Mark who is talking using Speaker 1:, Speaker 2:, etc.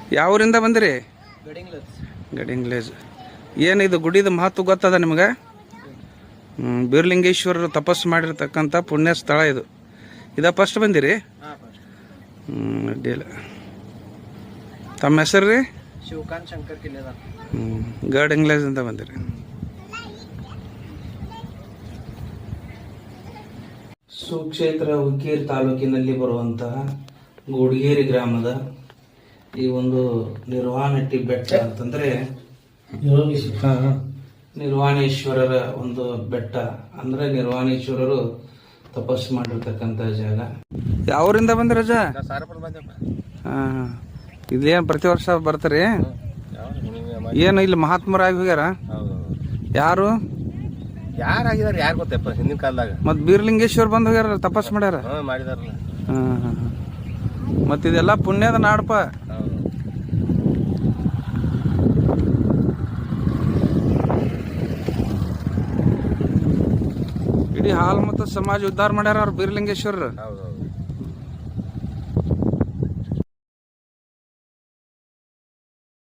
Speaker 1: ಯಾವೂರಿಂದ ಬಂದಿರಿ? ಗಡಿಂಗ್ಲೇಜ್. ಏನಿದು ಗುಡಿದ ಮಹತ್ವ ಗೊತ್ತದ ನಿಮಗೆ? ಬೀರ್ಲಿಂಗೇಶ್ವರರು ತಪಸ್ಸು ಮಾಡಿರ್ತಕ್ಕಂಥ ಪುಣ್ಯ ಸ್ಥಳ ಇದು. ಫಸ್ಟ್ ಬಂದಿರಿ? ಅಡ್ಡಿಲ್ಲ. ತಮ್ಮ ಹೆಸರು ರೀ?
Speaker 2: ಶಿವಕಾಂತ್ ಶಂಕರ್ ಕಿಲ್ಲೆದಾರ್.
Speaker 1: ಗಡಿಂಗ್ಲೇಜ್ ಅಂತ ಬಂದಿರಿ. ಸುಕ್ಷೇತ್ರ ಹುಕ್ಕೇರಿ ತಾಲೂಕಿನಲ್ಲಿ ಬರುವಂತಹ ಗುಡಿಗೇರಿ ಗ್ರಾಮದ ಈ ಒಂದು ನಿರ್ವಾಣಟ್ಟಿ ಬೆಟ್ಟ ಅಂತಂದ್ರೆ ನಿರ್ವಾಣೇಶ್ವರರ ಒಂದು ಬೆಟ್ಟ. ಅಂದ್ರೆ ನಿರ್ವಾಣೇಶ್ವರರು ತಪಸ್ಸು ಮಾಡಿರ್ತಕ್ಕಂಥ ಜಾಗ. ಯಾವೂರಿಂದ ಬಂದ್ರಿ ರಜಾ? ಇದೇನು ಪ್ರತಿ ವರ್ಷ ಬರ್ತಾರೆ? ಏನು ಇಲ್ಲಿ ಮಹಾತ್ಮರಾಗಿ ಹೋಗ್ಯಾರ? ಯಾರು
Speaker 2: ಯಾರಾಗಿದಾರೆ ಯಾರು ಗೊತ್ತಪ್ಪ ಹಿಂದಿನ ಕಾಲದಾಗ.
Speaker 1: ಮತ್ ಬೀರ್ಲಿಂಗೇಶ್ವರ್ ಬಂದ್ ಹೋಗ್ಯಾರ, ತಪಸ್ ಮಾಡ್ಯಾರ.
Speaker 2: ಮಾಡಿದಾರಲ್ಲ.
Speaker 1: ಮತ್ ಇದೆಲ್ಲ ಪುಣ್ಯದ ನಾಡಪ್ಪ. ಇಡೀ ಹಾಲ್ ಮತ್ತು ಸಮಾಜ ಉದ್ಧಾರ ಮಾಡ್ಯಾರ ಅವ್ರು ಬೀರ್ಲಿಂಗೇಶ್ವರರು.